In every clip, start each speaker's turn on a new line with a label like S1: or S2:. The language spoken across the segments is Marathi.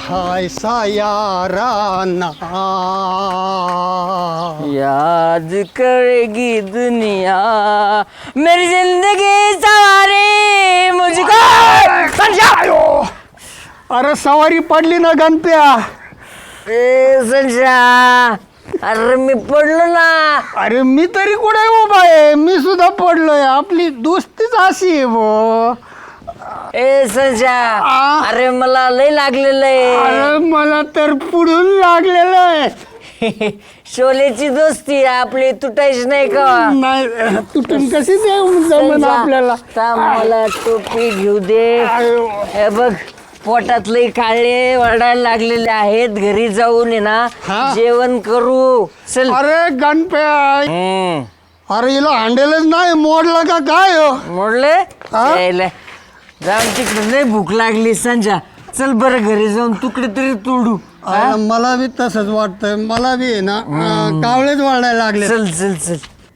S1: हाय सा याराना
S2: याद करेगी दुनिया मेरी जिंदगी सवारी मुझको
S1: अरे सवारी पडली ना गणप्या.
S2: ए संशा अरे मी पडलो ना.
S1: अरे मी तरी कुठे उभा आहे, मी सुद्धा पडलोय. आपली दोस्तीच अशी आहे भो.
S2: ए संशा अरे मला लय लागलेलं आहे.
S1: अरे मला तर पुढून लागलेलं आहे.
S2: शोलेची दोस्ती आपली तुटायची नाही का.
S1: नाही तुटून कशी जमन आपल्याला.
S2: मला टोपी घेऊ दे. हे बघ पोटात लई काळे वरडायला लागलेले आहेत. घरी जाऊन आहे ना जेवण करू चल.
S1: अरे गणप्या अरे हिला हांडेलच नाही मोडला का काय
S2: मोडले जाऊन तिकडे लय भूक लागली संजा. चल बरं घरी जाऊन तुकडे तरी तोडू.
S1: मला बी तसंच वाटतंय. मला बी आहे ना कावळेच वाढायला लागले.
S2: चल चल चल.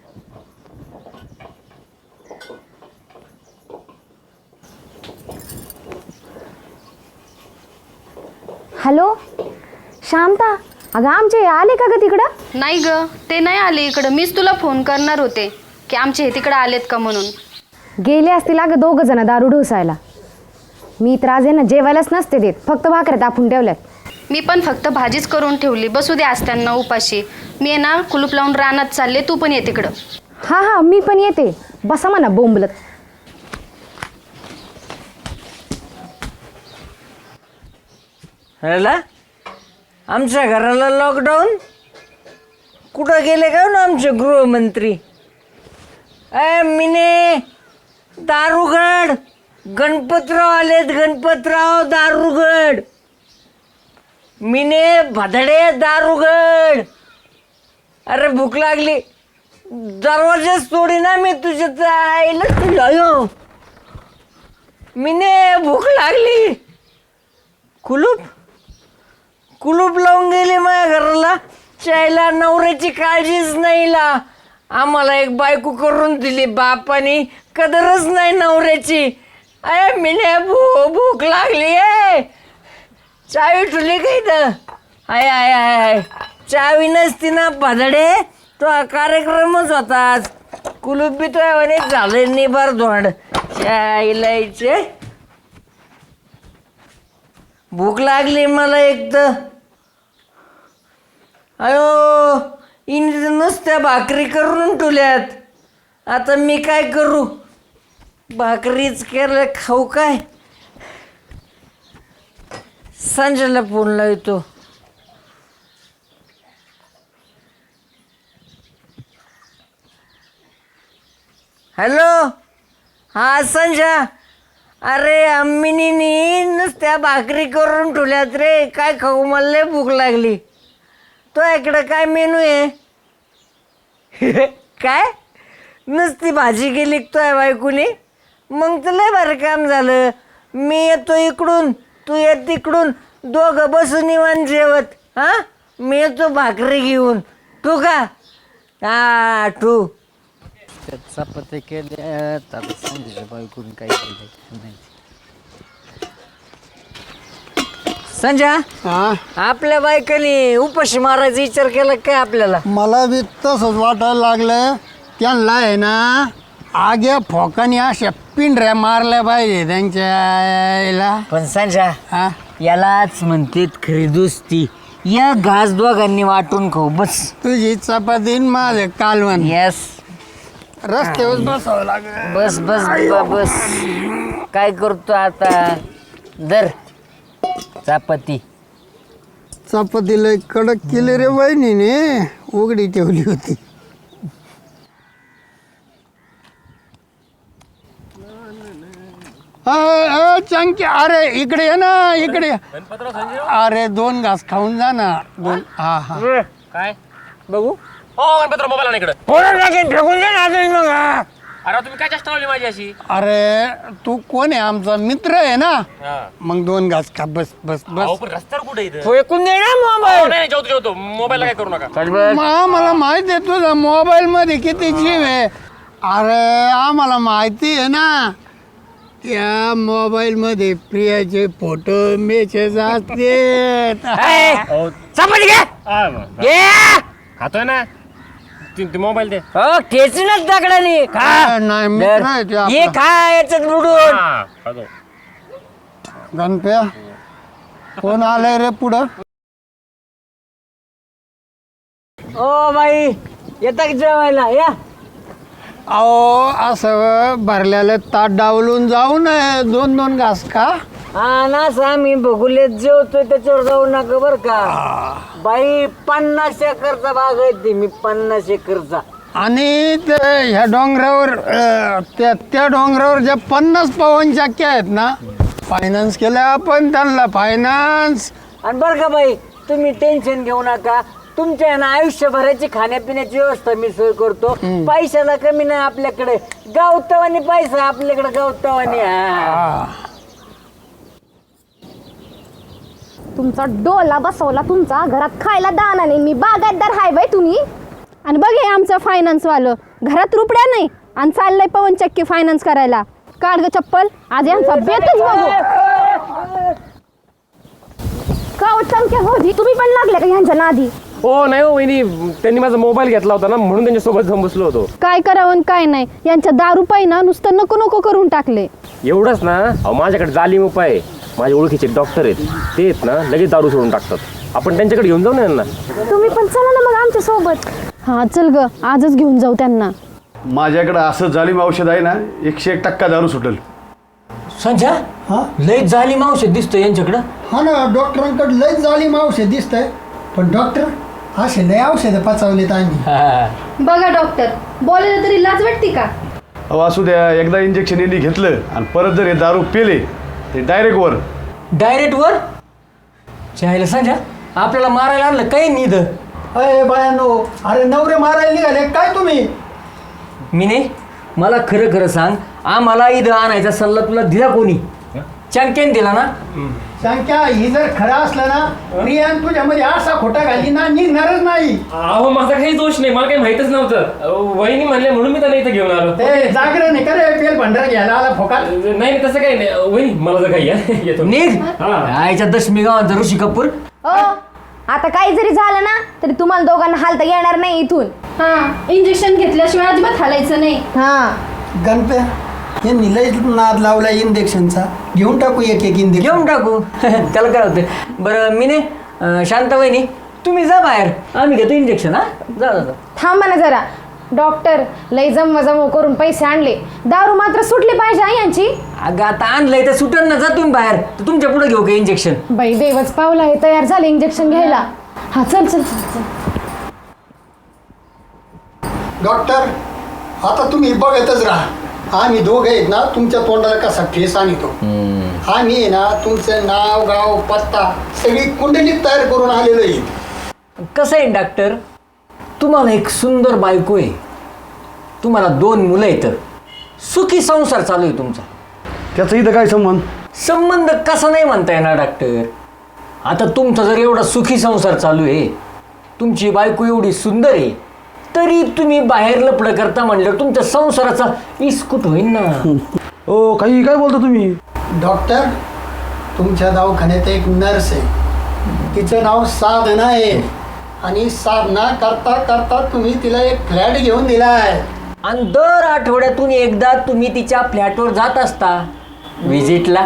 S3: हॅलो शांता, अगं आमचे आले का ग तिकडं?
S4: नाही ग ते नाही आले इकडं. मीच तुला फोन करणार होते की आमचे हे तिकडं आलेत का म्हणून.
S3: गेले असतील अगं दोघं जण दारू ढोसायला. मी तर आज आहे ना जेवायलाच नसते देत, फक्त भाकऱ्या तापून ठेवल्यात.
S4: मी पण फक्त भाजीच करून ठेवली. बसू दे आज त्यांना उपाशी. मी आहे ना कुलूप लावून रानात चालले, तू पण ये तिकडं.
S3: हां हां मी पण येते. बसा म्हणा बोंबलत.
S2: ह्याला आमच्या घराला लॉकडाऊन कुठं गेले का ना आमचे गृहमंत्री. मिने दारुगड गणपतराव आलेत. गणपतराव दारुगड. मिने भदडे दारुगड. अरे भूक लागली. दरवाजाच तोडी ना मी तुझ्या आईला तुझ्या. मिने भूक लागली. कुलूप कुलूप लावून गेली माझ्या घराला. चायला नवऱ्याची काळजीच नाही ला. आम्हाला एक बायको करून दिली बापानी, कदरच नाही नवऱ्याची. अरे मिने भूक लागली आहे. चावी ठुली का इथं? आय आय आय आय चावी नसती ना भदडे तो कार्यक्रमच होता आज. कुलूप बी तो म्हणे झाले निबार धोंड. चायलायचे भूक लागली मला एक तर. अयो इने नुसत्या भाकरी करून ठेवल्यात. आता मी काय करू. भाकरीच केलं खाऊ काय. संजयला फोन लावतो. हॅलो हा संजय. अरे अम्मिनी नुसत्या भाकरी करून ठेवल्यात रे. काय खाऊ मला लय भूक लागली. तो इकडं काय मेनू आहे. काय नुसती भाजी केली तो आहे बायकोनी. मग तर लय बरं काम झालं. मी येतो इकडून तू येत तिकडून दोघं बसून निवांत जेवत. हां मी येतो भाकरी घेऊन. तू का हा तू
S5: चपाती केल्या. संजयच्या बायकोनी काय केलं नाही.
S2: संजय आपल्या बायकांनी उपाशी मारायचा विचार केला काय आपल्याला.
S1: मला बी तसंच वाटायला लागलं. त्यांना आहे ना आग्या फोकानी अशा पिंढऱ्या मारल्या पाहिजे त्यांच्या.
S2: पण संजय
S1: हा
S2: यालाच म्हणतात खरी दोस्ती. या घास दोघांनी वाटून खाऊ बस.
S1: तुझी चपाती न माझं कालवण.
S2: येस
S1: रस्त्यावर बसावं लागलं.
S2: बस बस बस. काय करतो आता. दर चपाती.
S1: चपाती लय कडक केली रे बहिणीने. उघडी ठेवली होती. चंकी अरे इकडे ये ना इकडे. अरे 2 घास खाऊन जा ना. 2 हा हा
S6: काय
S2: बघू.
S6: हो गणपतराव मोबाईल आणा इकडं.
S2: फेकून दे ना मग.
S6: अरे तुम्ही काय चेष्टा लावली माझी अशी.
S1: अरे तू कोण आहे. आमचा मित्र आहे ना. मग 2 घास खा. बस बस
S6: अहो,
S1: बस.
S6: पण रस्त्यावर कुठे इथं.
S2: फेकून दे ना
S6: हो,
S2: मोबाईल.
S6: नाही जेवतो जेवतो. मोबाईलला काय करू नका.
S1: मला माहिती आहे तुझा मोबाईल मध्ये किती जीव आहे. अरे आम्हाला माहिती आहे ना. त्या मोबाईल मध्ये प्रियाचे फोटो मेसेज असते.
S2: चपाती घे
S6: खातोय ना ते मोबाईल दे.
S2: हो ठेचूनच दगडाने खा
S1: नाही मित्र आहे ते
S2: ये
S1: आपला.
S2: खा याच्यात बुडून.
S6: हा, खातो.
S1: गणप्या कोण आलंय रे पुढं?
S2: ओ बाई येता की जेवायला या.
S1: अहो असं भरलेलं ताट डावलून जाऊ नये. 2-2 घास का?
S2: हा ना आम्ही बघुलेत जेवतोय त्याच्यावर जाऊ नका बर का. बाई 50 एकरचा भाग आहे ते मी 50 एकरचा.
S1: आणि ते ह्या डोंगरावर त्या डोंगरावर ज्या 50 पवन चक्क्या आहेत ना, फायनान्स केल्या आपण त्यांना फायनान्स.
S2: आणि बरं का बाई तुम्ही टेन्शन घेऊ नका. तुमच्या ना आयुष्यभराची खाण्यापिण्याची व्यवस्था मी सोय करतो. पैशाला कमी नाही आपल्याकडे. गावतवानी पैसा आपल्याकडे गावतवानी. हा
S3: तुमचा डोला बसवला तुमचा घरात खायला दाना नाही. मी बागायतदार हाय बाई तुम्ही.
S7: आणि बघ हे आमचं फायनान्सवालं घरात रुपड्या नाही आणि चाललंय पवन चक्की फायनान्स करायला. काढ ग चप्पल आज यांचा बेतच बघू.
S3: का चमक्या होती तुम्ही पण लागले का ह्यांच्या नादी?
S6: हो नाही हो वहिनी, त्यांनी माझा मोबाईल घेतला होता ना म्हणून त्यांच्यासोबत जाऊन बसलो होतो.
S7: काय करावं आणि काय नाही यांच्या दारू पायी ना नुसतं नको नको करून टाकले.
S6: एवढंच ना, अहो माझ्याकडे जालिम उपाय आहे. माझे ओळखीचे डॉक्टर आहेत, ते आहेत ना लगेच दारू सोडून टाकतात. आपण त्यांच्याकडे घेऊन जाऊ ना यांना.
S3: तुम्ही पण चला ना मग आमच्या सोबत.
S7: हा चल ग आजच घेऊन जाऊ त्यांना.
S8: माझ्याकडं असं जालिम औषध आहे ना, 101% दारू सुटेल.
S2: संजय
S1: हा
S2: लय जालिम औषध दिसतं यांच्याकडं.
S1: हा ना, डॉक्टरांकडे लय जालिम औषध दिसतंय. पण डॉक्टर असे लय औषधं पचवलेत आम्ही.
S7: बघा डॉक्टर बोलायला तरी लाज वाटते का?
S8: अहो असू द्या, एकदा इंजेक्शन यांनी घेतलं आणि परत जर हे दारू पेले ते डायरेक्ट वर.
S2: डायरेक्ट वर चायला संजय आपल्याला मारायला आणलं काही निध.
S1: अरे बायानो, अरे नवरे मारायला निघाले काय तुम्ही?
S2: मी नाही, मला खरं खरं सांग, आम्हाला इथं आणायचा सल्ला तुला दिला कोणी? चंक्याने दिला ना?
S1: संख्या ही जर खरं असलं ना, प्रियान तुझ्यामध्ये असा खोटा घाली ना निघणारच नाही.
S6: अहो माझा काही दोष नाही, मला काही माहितच नव्हतं. वहिनी म्हणले म्हणून मी त्यांना इथे घेऊन आलो.
S1: ते जागरण आहे का रे? पेल भंडारा घ्यायला आला फोकात.
S6: नाही तसं काही नाही वहिनी, मला जर काही येतो.
S2: निघ आईच्या दशमी गावात ऋषी कपूर.
S3: आता काही जरी झालं ना तरी तुम्हाला दोघांना हालता येणार नाही इथून.
S7: हा इंजेक्शन घेतल्याशिवाय अजिबात हालायचं नाही.
S3: हा
S1: गणप्या यांनी लय नाद लावला इंजेक्शनचा. घेऊन टाकू एक इंजेक्शन.
S2: घेऊन टाकू त्याला काय होतं. बरं मी नाही शांत वहिनी तुम्ही जा बाहेर, आम्ही घेतो इंजेक्शन. हा जा जा.
S3: थांबा ना जरा. डॉक्टर लय जमवा करून पैसे आणले, दारू मात्र सुटली पाहिजे हा यांची.
S2: अगं आता आणलंय तर सुटन ना, जा तुम्ही बाहेर. तर तुमच्या पुढे घेऊ का इंजेक्शन?
S3: बाई देवच पावला हे तयार झाले इंजेक्शन घ्यायला. हा चल चल चल.
S1: डॉक्टर आता तुम्ही बघतच राहा. आम्ही दोघे आहेत ना तुमच्या तोंडाला कसा ठेस आणतो. आम्ही आहे ना तुमचं नाव गाव पत्ता सगळी कुंडली तयार करून आलेलो आहे.
S2: कसं आहे डॉक्टर, तुम्हाला एक सुंदर बायको आहे, तुम्हाला 2 मुलं आहेत, सुखी संसार चालू आहे तुमचा.
S8: त्याचा इथं काय संबंध?
S2: संबंध कसा नाही म्हणता येणार डॉक्टर. आता तुमचा जर एवढा सुखी संसार चालू आहे, तुमची बायको एवढी सुंदर आहे, तरी तुम्ही बाहेर लपडं करता म्हणलं तुमच्या संसाराचा इस्कूट होईल ना.
S8: ओ काही काय बोलता तुम्ही?
S1: डॉक्टर तुमच्या दवाखान्यात एक नर्स आहे, तिचं नाव साधना आहे. आणि साधना करता करता तुम्ही तिला एक फ्लॅट घेऊन दिलाय.
S2: आणि दर आठवड्यातून एकदा तुम्ही तिच्या फ्लॅटवर जात असता विजिटला.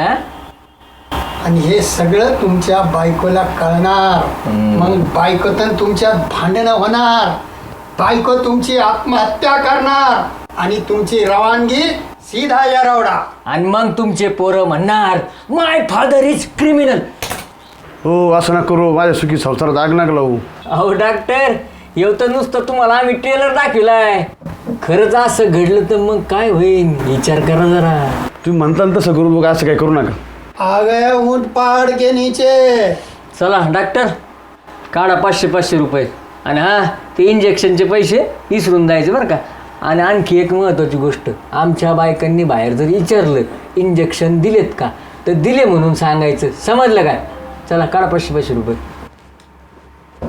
S1: आणि हे सगळं तुमच्या बायकोला कळणार. मग बायको तर तुमच्यात भांडणं होणार, बायको तुमची आत्महत्या करणार आणि तुमची रवानगी सीधा येरवडा.
S2: आणि मग तुमचे पोरं म्हणणार माय फादर इज क्रिमिनल.
S8: हो असं ना करू, माझ्या सुखी संसारात आग नका लावू.
S2: अहो डॉक्टर येऊ तर नुसतं तुम्हाला आम्ही ट्रेलर दाखविलाय. खरंच असं घडलं तर मग काय होईल विचार करा जरा.
S8: तुम्ही म्हणताल तसं करू, बघा असं काय करू नका.
S1: आ गए ऊंट पहाड़ के नीचे.
S2: चला डॉक्टर काढा 500-500 रुपये. आणि हा ते इंजेक्शनचे पैसे विसरून द्यायचे बरं का. आणि आणखी एक महत्त्वाची गोष्ट, आमच्या बायकांनी बाहेर जर विचारलं इंजेक्शन दिलेत का तर दिले म्हणून सांगायचं, समजलं काय? चला काढा 500-500 रुपये.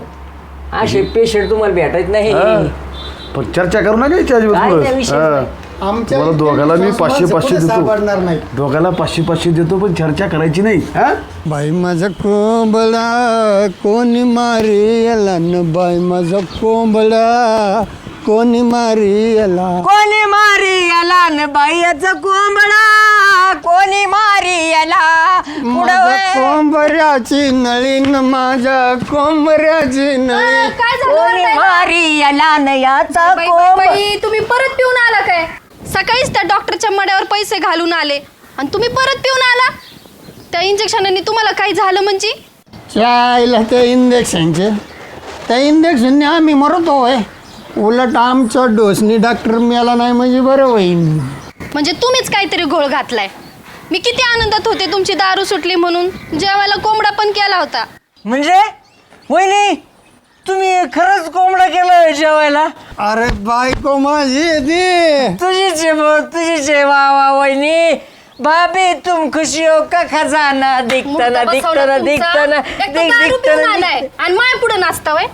S2: असे पेशंट तुम्हाला भेटायच नाही.
S8: पण चर्चा करू नका याची
S2: काय त्या
S8: अजिबात.
S2: विषय नाही.
S1: आमच्या
S8: तुम्हाला दोघाला मी
S1: इथे
S8: 500-500
S1: माणसं कुठं
S8: देतो.
S1: सापडणार नाही.
S8: दोघाला 500-500 देतो, पण चर्चा करायची नाही. हा
S1: बाई माझा कोंबडा कोणी मारी याला न बाई माझा कोंबडा कोणी मारी याला.
S2: कोणी मारी याला न बाईचा कोंबडा कोणी मारी याला
S1: माझ्या कोंबऱ्याची नळी न माझ्या कोंबऱ्याची नळी.
S7: काय
S2: कोणी
S7: झालं
S2: मारी याला न याचा
S4: बाई, बाई,
S2: कोंबडा.
S4: बाई, तुम्ही परत पिऊन आला काय? सकाळीच त्या डॉक्टरच्या मड्यावर पैसे घालून आले आणि तुम्ही परत पिऊन आला. त्या इंजेक्शनाने तुम्हाला काही झालं म्हणजे?
S1: चायला त्या इंजेक्शनचे त्या इंजेक्शनने आम्ही मरतो होय. उलट आमच्या डोसनी डॉक्टर मिळाला नाही म्हणजे बरं होईल.
S4: म्हणजे तुम्हीच काहीतरी घोळ घातलाय. मी किती आनंदात होते तुमची दारू सुटली म्हणून. जेवायला कोंबडा पण केला होता.
S2: म्हणजे वहिनी तुम्ही खरंच कोंबडा केलं जेवायला?
S1: अरे बायको माझी येते.
S2: तुझीच आहे वा वा वहिनी. भाभी तुम खुशी हो का खजाना दिखताना
S4: मुर्दा बसवला
S2: दिखताना
S4: तुमचा.
S2: दिखताना
S4: एक तर दारू पिऊन आलाय आणि माय पुढे नाचता वय.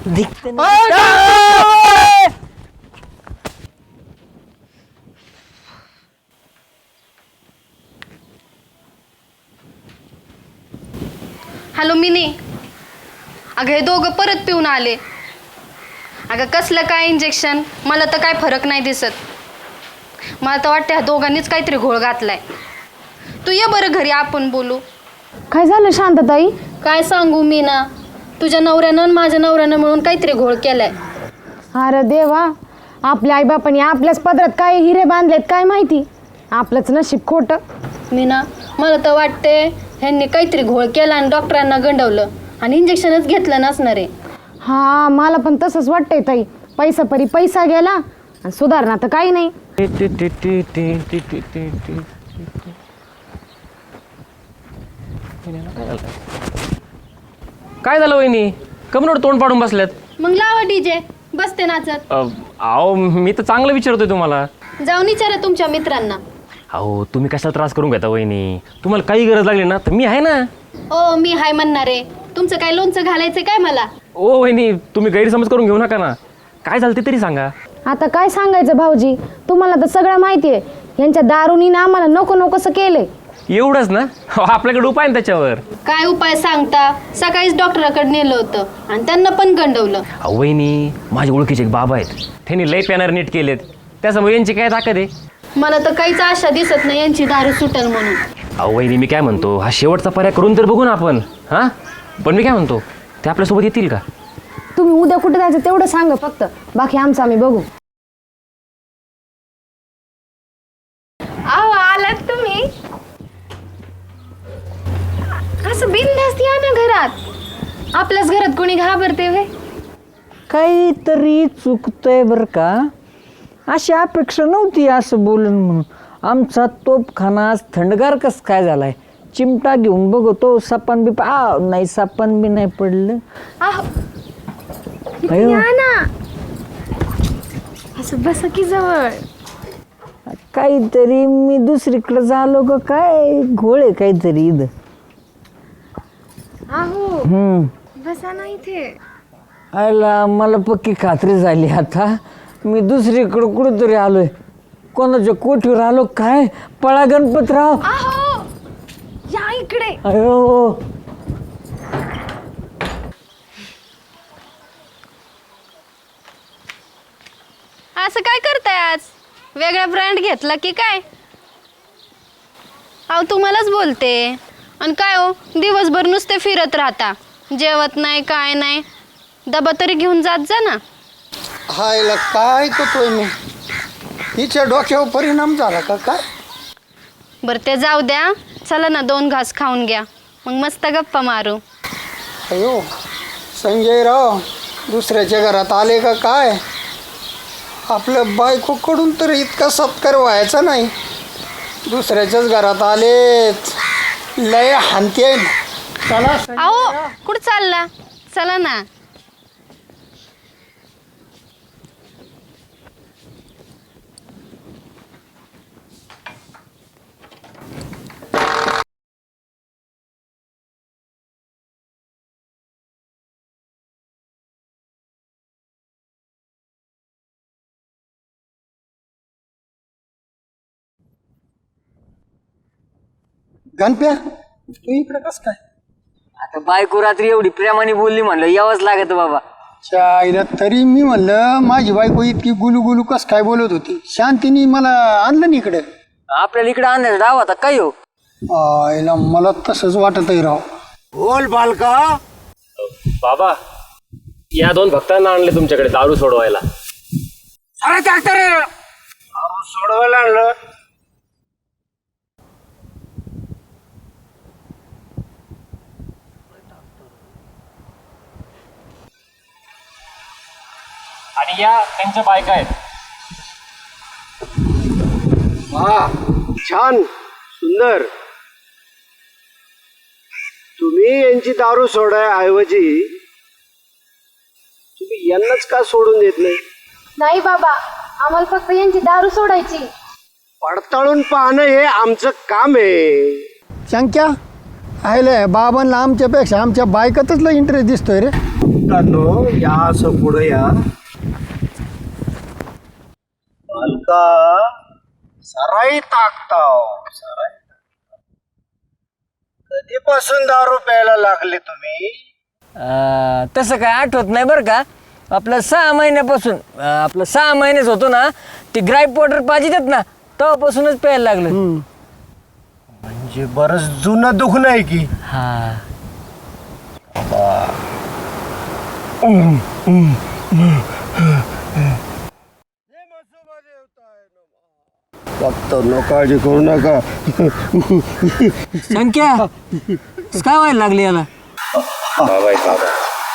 S4: हॅलो मिनी. अगं हे दोघं परत पिऊन आले. अगं कसलं काय इंजेक्शन, मला तर काय फरक नाही दिसत. मला तर वाटतं ह्या दोघांनीच काहीतरी घोळ घातलाय. तू ये बरं घरी, आपण बोलू.
S3: काय झालं शांतताई?
S4: काय सांगू मी ना, तुझ्या नवऱ्यानं आणि माझ्या नवऱ्यानं मिळून काहीतरी घोळ केलाय.
S3: अरे देवा, आपल्या आईबापाने आपल्याच पदरात काय हिरे बांधलेत काय माहिती. आपलंच नशीब खोटं.
S4: मीना, मला तर वाटते ह्यांनी काहीतरी घोळ केला आणि डॉक्टरांना गंडवलं आणि इंजेक्शनच घेतलं नसणार आहे.
S3: हा मला पण तसंच वाटतंय ताई. पैसा परी पैसा गेला आणि सुधारणा तर काही नाही.
S6: काय झालं वहिनी, कमनोड तोंड पाडून बसल्यात?
S4: मग लावा डीजे, बसते नाचत.
S6: अहो मी तर चांगलं विचारतोय तुम्हाला.
S4: जाऊन विचारा तुमच्या मित्रांना.
S6: अहो तुम्ही कशाला त्रास करून घेता वहिनी? तुम्हाला काही गरज लागली ना तर मी आहे ना.
S4: ओ मी हाय म्हणणार आहे. तुमचं काय लोणचं घालायचं काय मला?
S6: ओ वहिनी, तुम्ही गैरसमज करून घेऊ नका ना. काय झालं ते तरी सांगा.
S3: आता काय सांगायचं भाऊजी, तुम्हाला तर सगळं माहिती आहे. यांच्या दारुनी ना आम्हाला नको नकोसं केलंय.
S6: एवढंच ना? आपल्याकडे उपाय आहे ना त्याच्यावर.
S4: काय उपाय सांगता? सकाळीच डॉक्टराकडे नेलं होतं आणि त्यांना पण गंडवलं.
S6: अहो वहिनी, माझ्या ओळखीचे एक बाबा आहेत, त्यांनी लय पॅनर नीट केलेत. त्याच्यामुळे यांची काय ताकद आहे.
S4: मला तर काहीच आशा दिसत नाही यांची दारू सुटेल म्हणून.
S6: अहो वहिनी, मी काय म्हणतो, हा शेवटचा पर्याय करून तर बघू ना आपण. हां, पण मी काय म्हणतो, ते आपल्यासोबत येतील का?
S3: तुम्ही उद्या कुठे जायचं तेवढं सांगा फक्त, बाकी आमचं आम्ही बघू.
S7: अहो आलात तुम्ही. असं बिनधास्त या ना घरात. आपल्याच घरात कोणी घाबरते वे.
S2: काहीतरी चुकतंय बरं का. अशी अपेक्षा नव्हती असं बोलून म्हणून. आमचा तोपखाना आज थंडगार कस काय झालाय. चिमटा घेऊन बघतो, सापान बी नाही, सापान बी नाही पडलं.
S7: अहो
S2: अयो,
S7: या ना, असं बसा की जवळ.
S2: काहीतरी मी दुसरीकडे झालो का काय, घोळ आहे काहीतरी इथं.
S7: अहो बसा ना इथे.
S2: आयला मला पक्की खात्री झाली आता. मी दुसरीकडं कुठंतरी आलोय. कोणाच्या कोठीवर आलो काय. पळा गणपतराव.
S7: अहो या इकडे.
S2: अयो,
S4: असं काय करताय आज? वेगळा ब्रँड घेतला की काय? अहो तुम्हालाच बोलते. आणि काय हो, दिवसभर नुसते फिरत राहता, जेवत नाही काय नाही. डबा तरी घेऊन जात जा ना.
S1: हायला काय करतोय मी. हिच्या डोक्यावर परिणाम झाला का काय?
S4: बरं ते जाऊ द्या. चला ना 2 घास खाऊन घ्या, मग मस्त गप्पा मारू.
S1: अयो संजयराव दुसऱ्याच्या घरात आले का काय? आपल्या बायकोकडून तर इतका सत्कार व्हायचा नाही. दुसऱ्याच्याच घरात आलेत. लय हानते. चला
S4: अहो कुठं चालला? चला ना.
S1: गणप्या तू इकडे कस काय
S2: आता बायको रात्री एवढी प्रेमाने बोलली म्हणलं यावंच लागत बाबा.
S1: आईला तरी मी म्हणलं माझी बायको इतकी गुलू गुलू कस काय बोलत होती, शांतीने मला आणलं ना इकडे.
S2: आपल्याला इकडे आणण्याचा डाव आता काय हो.
S1: आईला मला तसंच वाटत आहे राव.
S9: बोल बालका.
S6: बाबा या 2 भक्तांना आणले तुमच्याकडे दारू सोडवायला.
S9: अरे डॉक्टर सोडवायला आणलं.
S6: आणि या त्यांच्या बायका आहेत.
S9: वा छान सुंदर. तुम्ही यांची दारू सोडायऐवजी तुम्ही यांनाच का सोडून देत नाही?
S3: नाही बाबा, आम्हाला फक्त यांची दारू सोडायची.
S9: पडताळून पाहणं हे आमचं काम आहे.
S1: शंक्या आयले बाबांना आमच्यापेक्षा आमच्या बायकातच लय इंटरेस्ट दिसतोय रे.
S9: या असं पुढे या. बालका सराई टाकताव सराई. कधीपासून दारू प्यायला लागले तुम्ही?
S2: तसं काय आठवत नाही बरं का. आपलं 6 महिन्यापासून आपलं 6 महिनेच होतो ना, ते ग्राईप पावडर पाहिजेत ना, तेव्हापासूनच प्यायला लागलं.
S9: म्हणजे बरंच जुनं दुखणं आहे की.
S2: हा
S9: फक्त नो काळजी करू नका.
S2: संख्या काय व्हायला लागली याला.
S6: बाबा आहे बाबा.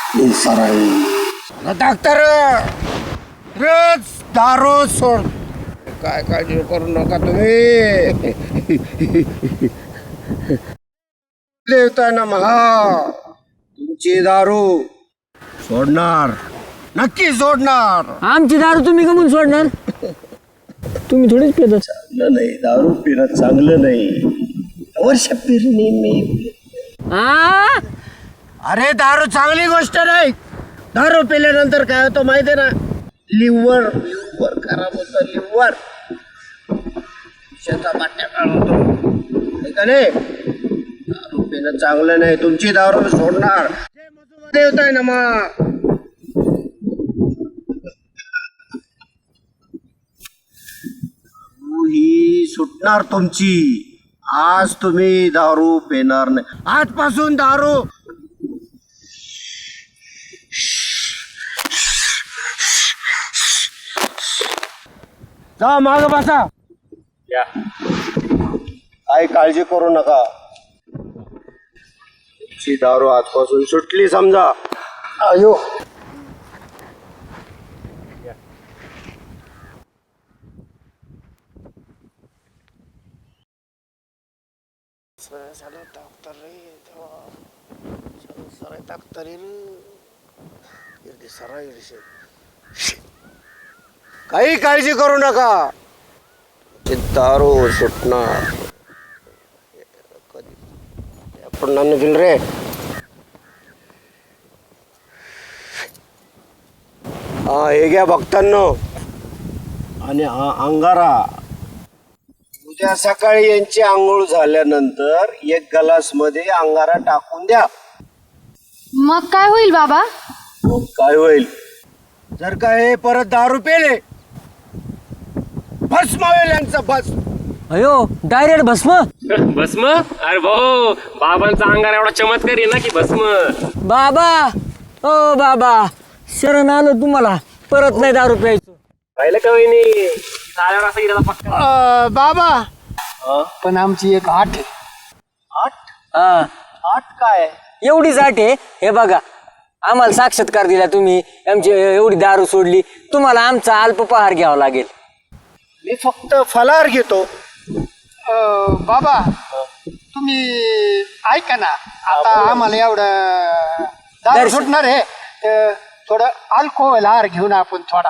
S9: डॉक्टर रोज दारू सोड. काय काळजी करू नका तुम्ही. देवताय ना महा तुमची दारू सोडणार, नक्की सोडणार.
S2: आमची दारू तुम्ही कमून सोडणार. तुम्ही थोडीच पितात.
S9: चांगलं नाही दारू पिणं, चांगलं नाही. वर्ष पिरणी मी. अरे दारू चांगली गोष्ट नाही. दारू पिल्यानंतर काय होतं माहिती आहे ना, लिव्हर खराब होतं. लिव्हर विषाचा बाटल्या होतो का नाही. दारू पिणं चांगलं नाही. तुमची दारू सोडणार. देवत आहे ना मग. ही सुटणार तुमची. आज तुम्ही दारू पिणार नाही. आजपासून दारू. जा माग बसा.
S6: या
S9: काही काळजी करू नका. तुमची दारू आजपासून सुटली समजा.
S1: अयो
S9: काही काळजी करू नका. दारू सुटणार. कधी आपण नाही रे. हा हे घ्या भक्तांनो. आणि हा अंगारा उद्या सकाळी यांची आंघोळ झाल्यानंतर 1 ग्लास मध्ये अंगारा टाकून द्या.
S3: मग काय होईल बाबा?
S9: काय होईल? जर का हे परत दारू पेले, भस्म होईल यांचं. भस्म.
S2: अयो डायरेक्ट भस्म.
S6: भस्म. अरे भाऊ बाबांचा अंगार एवढा चमत्कार आहे ना की भस्म.
S2: बाबा ओ बाबा शरण आलो तुम्हाला. परत नाही दारू प्यायचं.
S6: पाहिलं का वहिनी झाल्यावर असं गेला पक्का.
S1: बाबा पण आमची एक आठ आहे.
S2: हा
S9: आठ काय?
S2: एवढीच आठ आहे. हे बघा आम्हाला साक्षात्कार दिला तुम्ही. आमची एवढी दारू सोडली. तुम्हाला आमचा अल्पपहार घ्यावा लागेल.
S9: मी फक्त फलाहार घेतो.
S1: बाबा तुम्ही ऐका ना, आता आम्हाला एवढं दारू
S2: दर्शन.
S1: सुटणार आहे. थोडं अल्कोहोल आहार घेऊन आपण थोडा.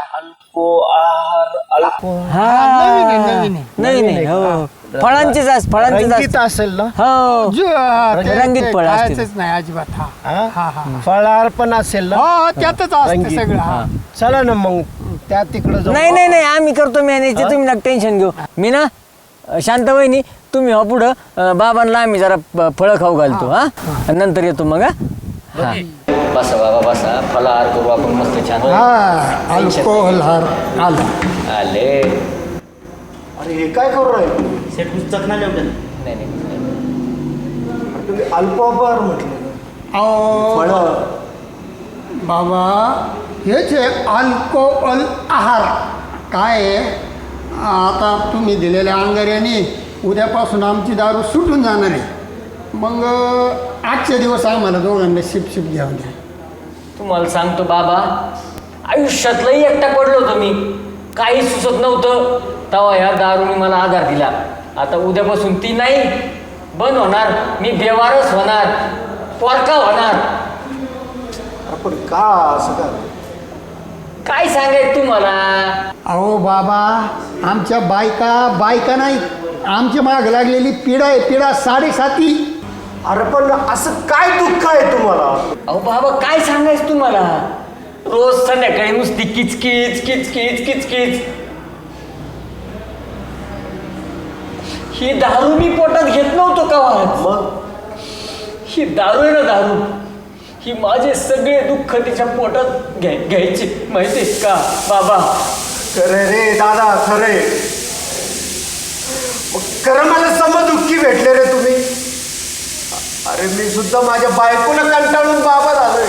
S2: हा नाही नाही हो फळांचीच फळांचीच
S9: रंगीत असेल ना.
S2: हो
S1: ते
S2: रंगीत फळं असतील.
S1: खायचंच नाही अजिबात. हा
S9: फळाहार पण असेल ना.
S1: हो त्यातच असतं
S9: रंगीत.
S1: सगळं. हा.
S9: चला ना मग त्या तिकडे जाऊ.
S2: नाही नाही नाही आम्ही करतो मॅनेज. तुम्ही ना टेन्शन घेऊ. मी ना शांत वहिनी तुम्ही हो पुढं बाबांना आम्ही जरा फळं खाऊ घालतो हा नंतर येतो मग हा बसा बाबा बसा फलाहार करू आपण मस्त छान
S1: हा अल्कोहोल हार आला.
S2: आले
S9: अरे हे काय करू राहिले
S2: नाही नाही
S9: तुम्ही अल्पोपहार म्हटलं
S1: अहो
S9: फळं
S1: बाबा हेच आहे अल्कोहोल आहार. काय आहे आता तुम्ही दिलेल्या अंगाऱ्याने उद्यापासून आमची दारू सुटून जाणार आहे. मग आजचे दिवस आम्हाला दोघांना शिप घ्यावं द्या.
S2: तुम्हाला सांगतो बाबा आयुष्यातलंही एकटा पडलो होतो मी काही सुचत नव्हतं तेव्हा ह्या दारूने मला आधार दिला. आता उद्यापासून ती नाही बंद होणार मी बेवारस होणार पोरका होणार.
S9: आपण का असं
S2: काय सांगायचं तुम्हाला.
S1: अहो बाबा आमच्या बायका नाही आमच्या माग लागलेली पिढा आहे पिढा 7.5.
S9: अरे पण असं काय दुःख आहे तुम्हाला.
S2: अहो बाबा काय सांगायचं तुम्हाला रोज संध्याकाळी नुसती किचकिच किचकिच किचकिच. ही दारू मी पोटात घेत नव्हतो का
S9: मग
S2: ही दारू आहे ना दारू ही माझे सगळे दुःख तिच्या पोटात घ्यायचे माहितीये का बाबा.
S9: खरे रे दादा खरे खरं मला समदुःखी भेटले रे तुम्ही. अरे मी सुद्धा माझ्या बायकोला कंटाळून बाबा झालोय.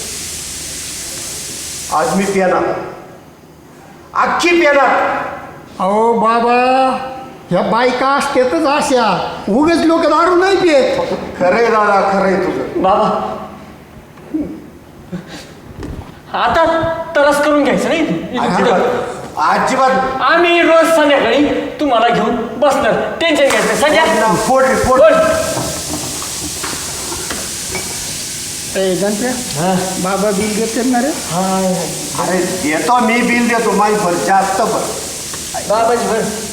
S9: आज मी पिणार अख्खी पिणार.
S1: अहो बाबा ह्या बायका असतेच अशा उगच लोक दारू नाही पित.
S9: खरे दादा खरे तुझं
S2: बाबा आता तरस करून घ्यायचं नाही
S9: अजिबात
S2: आम्ही रोज संध्याकाळी तुम्हाला घेऊन बसणार टेन्शन घ्यायचं सध्या
S9: फोड रे फोड.
S1: गणप्या बाबा बिल देते ना रे.
S9: अरे देतो मी बिल देतो माझी भर जास्त भर
S2: बाबाजी बरं